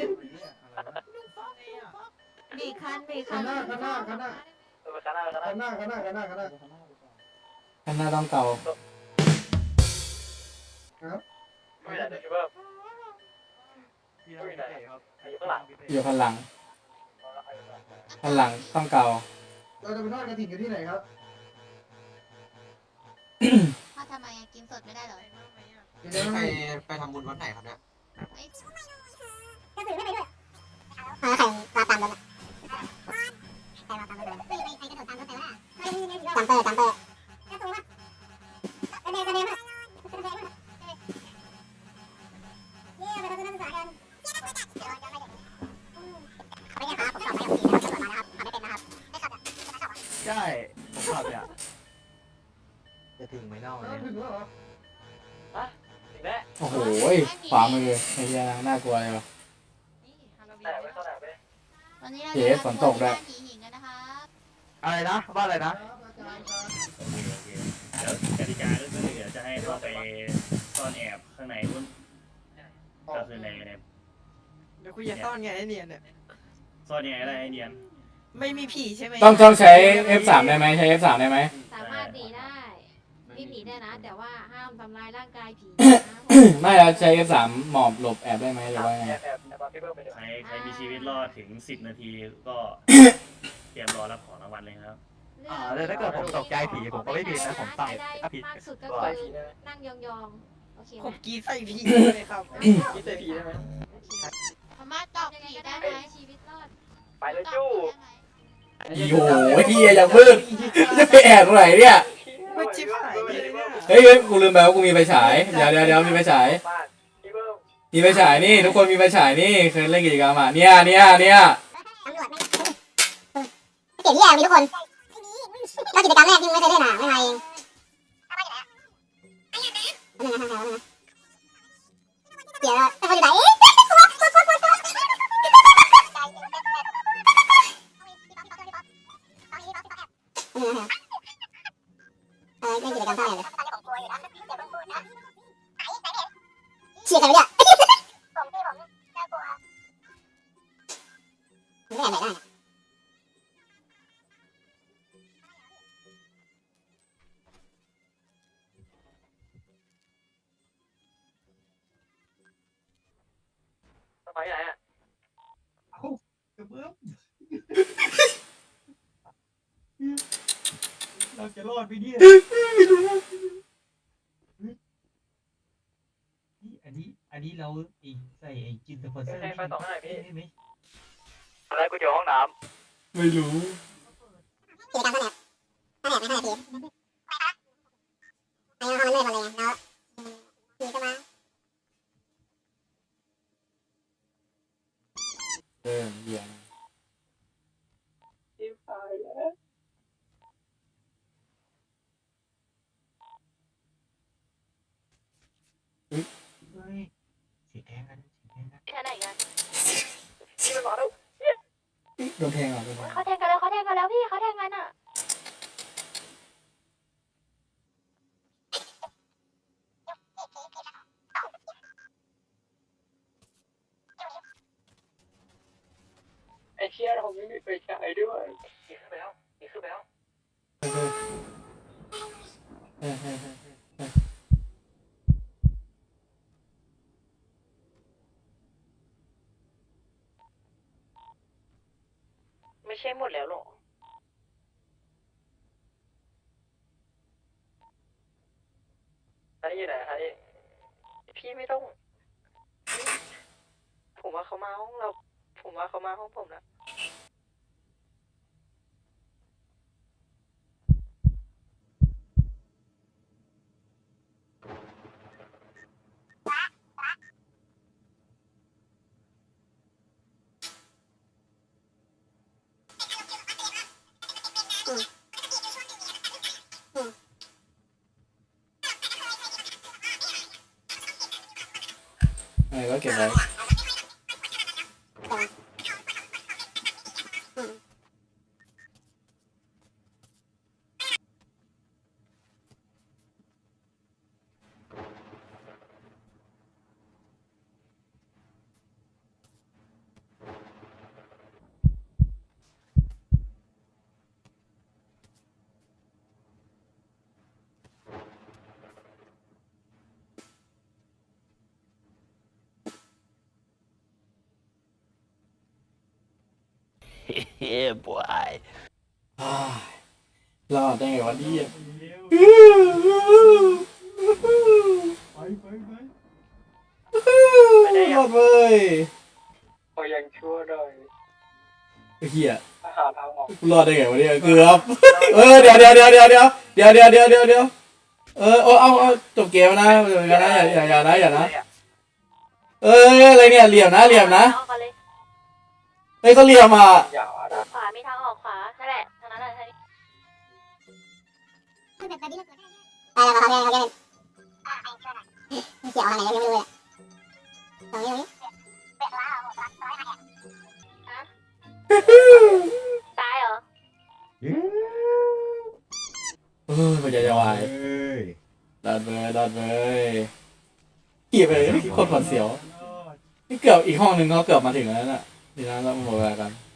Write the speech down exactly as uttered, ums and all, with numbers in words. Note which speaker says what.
Speaker 1: มีคันมีคั
Speaker 2: ข้าง
Speaker 1: น
Speaker 2: หน้าข้างหน้าข้างหน้า
Speaker 3: ข้างหน้าข้างหน้า
Speaker 2: ข้างหน้าข้างหน้าข้างหน้าข้างหน้า
Speaker 4: ข้างหน้าต้องเก่า
Speaker 2: ครับ
Speaker 3: ไม่ได้คิดว่าอยู่ไหนครับอยู่ข้างหลัง
Speaker 4: อยู่ข้างหลังข้างหลังต้องเก่า
Speaker 2: เราจะไปทอดกระถิ่นกันที่ไหนครับ
Speaker 1: พ่อทำไมกินสดไม่ได้เหรอ
Speaker 2: จะได้
Speaker 5: ไป
Speaker 2: ไม่
Speaker 5: ไปทำบุญวัดไหนครับเนี่ย
Speaker 1: ก็ถือไม่ไปด้วย
Speaker 6: เออใครมาตามรถอ่ะใครมาตามรถเลยไปไปไปกระโดดตามรถไปว่าจัมเปอร์จัมเปอร์กระโดดว่ะกระเด็นกระเด็นว่ะกระเด็นว่ะเนี่ยไปทำนักศึกษากันไม่ได้ครับผมสอบไม่อย่างดีนะครับตำรวจมานะครับทำไม่เป็นนะครับไม่ขับอ่ะ
Speaker 5: ใช่ผมขับเนี่ยจะถึงไหมเน่า
Speaker 2: อ้าว
Speaker 5: เนี่ย
Speaker 2: ถึงแล้วเหรอ
Speaker 3: ถึงแล้ว
Speaker 4: โอ้โหขวามือไอ้เหี้ยน่ากลัวเลยวะ
Speaker 3: แต่ไม่เข้าไหนไป
Speaker 1: วันนี้เรา
Speaker 4: เจ๊ฝนตกด้วย
Speaker 1: ผีหิงกันนะคะ
Speaker 5: อะไรนะบ้านอะไรนะ
Speaker 2: ครับอาจารย์ครับ
Speaker 7: เดี๋ยวกติกาก็คือเดี๋ยวจะให้เข้าไปซ่อนแอบข้างในนู้นก็คือในใน
Speaker 8: เดี๋ยวคุยจะซ่อนไงไอเนียนเนี่ย
Speaker 7: ซ่อนยังไงได้ไอเนียน
Speaker 8: ไม่มีผีใช่ไหม
Speaker 4: ต้องต้องใช้ เอฟ สาม ได้ไหมใช้ เอฟ สาม ได้ไหม
Speaker 9: สามารถหนีได้วิ่งหนีได้นะ แต่ว่าห้ามทำลายร่างกายผี
Speaker 4: ไม่แล้วใช้ เอฟ สาม หมอบหลบแอบได้ไหมหรือว่าไง
Speaker 3: แอบแอบแอบพี่เบิ้มไปเดี๋ยว
Speaker 7: ใครใครมีชีวิตรอดถึงสิบนาทีก็ เตรียมรอรับของรางวัลเลยครับ
Speaker 5: อ่าแล้วถ้าเกิดผมตกใจผีผมก็ไม่ผิดนะผมใส่
Speaker 9: ได้
Speaker 5: ถ้าผิด
Speaker 9: มากสุดก็
Speaker 3: ใส่
Speaker 9: คื
Speaker 3: ผี
Speaker 9: อ
Speaker 3: ได้ไหม
Speaker 9: นั่งยองๆโอเคไห
Speaker 8: ผม
Speaker 9: ม
Speaker 8: กรีดใส่ผีเลยครับ
Speaker 3: คิดใส่ผีได้ไหม
Speaker 1: สามารถตอกผีได้ไหม
Speaker 9: ชีวิตรอด
Speaker 3: ไปเลยจู้
Speaker 4: โอ้โหเฮียอย่างมืดจะไปแอบตรงไหนเนี่ย
Speaker 8: ไม่ชิบหายเลยเนี่ย
Speaker 4: เฮ้ยเฮ้ยกูลืมไปว่ากูมีไฟฉาย เดี๋ยวเดี๋ยวเดี๋ยวมีไฟฉาย
Speaker 3: บ้านพี่เบิ้ม
Speaker 4: มีไฟฉายนี่ทุกคนมีไฟฉายนี่เคยเล่นกิจกรรมอ่ะเนี่ยเนี่ยเนี่ย
Speaker 6: ตำรวจไม่เก็บที่แอบมีทุกคนก็กิจกรรมแรกที่ไม่เคยเล่นอ่ะไม่มาเองเดี๋ยวแต่คนอยู่ไหนเอ๊ะเออเล่นกิจกรรมเท่าไหร่เลยเชียร์ใครไม่ได้ไม่แอบไหนได้
Speaker 3: สมัยไหนอ่ะ
Speaker 5: เราจะรอดไปเนี่ยอันนี้อันนี้เราอีกใส่ไอ้จินสปอนเซอร์
Speaker 3: ให้ไฟสองให้พี่
Speaker 5: ได้ไหม
Speaker 3: อะไรกูอยู่ห้องน้
Speaker 4: ไม่รู้
Speaker 6: กิจกรรมเท่าไหร่เท่าไหร่ไม่เท่าไหร่พีไอ้ห้องมันเลื่อนมาเลยแล้วพีก็มา
Speaker 4: เออเหี้ย
Speaker 3: ำที่ตายแล้ว
Speaker 5: เฮ้ยเสียแทงกันเสียแทงกัน
Speaker 9: แค่ไหนกัน
Speaker 3: พี่มันมาแล้ว
Speaker 4: โดนแทงเหรอโดนแทง
Speaker 9: เขาแทงกันแล้วเขาแทงกันแล้วพี่เขาแทงกันอ่ะ
Speaker 3: ไอ้เชี่ยผมไม่มีไฟฉายด้วยหนีขึ้นไปแล้วหนีขึ้นไปแล้ว
Speaker 4: เออเออเออเออ
Speaker 9: ไม่ใช่หมดแล้วหรอ
Speaker 3: อันนี้อยู่ไหนอันนี้
Speaker 9: พี่ไม่ต้อง ผมว่าเขามาห้องเรา ผมว่าเขามาห้องผมแล้ว
Speaker 4: เออก็เก็บไว้
Speaker 5: yeah boy
Speaker 4: อ้ายรอดได้ไงวะเนี่ย
Speaker 2: ไปไปไป
Speaker 4: รอดเว้ย
Speaker 3: พอยังชั่วหน่อย
Speaker 4: ไอ้เหี้ย
Speaker 3: หาทางออก
Speaker 4: รอดได้ไงวะเนี่ยเกือบเออเดี๋ยวเดี๋ยวเดี๋ยวเดี๋ยวเดี๋ยวเดี๋ยวเดี๋ยวเดี๋ยวเดี๋ยวเดี๋ยวเออเอาเอาเอาจบเกมนะอย่านะอย่าอย่านะอย่านะเอออะไรเนี่ยเหลี่ยมนะเหลี่ยมนะเฮ้ยเขาเหลี่ยมอ่ะ
Speaker 3: อย่านะ
Speaker 9: ขวามีทางออกขวานั่นแหละทางนั้นแหละทางนี้
Speaker 6: ไปแล้วเขาเรียนเขาเรียนเกี่ยวอะไรยังไม่รู้เลยตรงนี้ตรงนี้
Speaker 9: ตายเหรอ
Speaker 4: เออมันจะจะวายดันเลยดันเลยขี่ไปเลยโคตรหวาดเสียวนี่เกือบอีกห้องหนึ่งเขาเกือบมาถึงแล้วน่ะทีนั้นเราหมดเวลากัน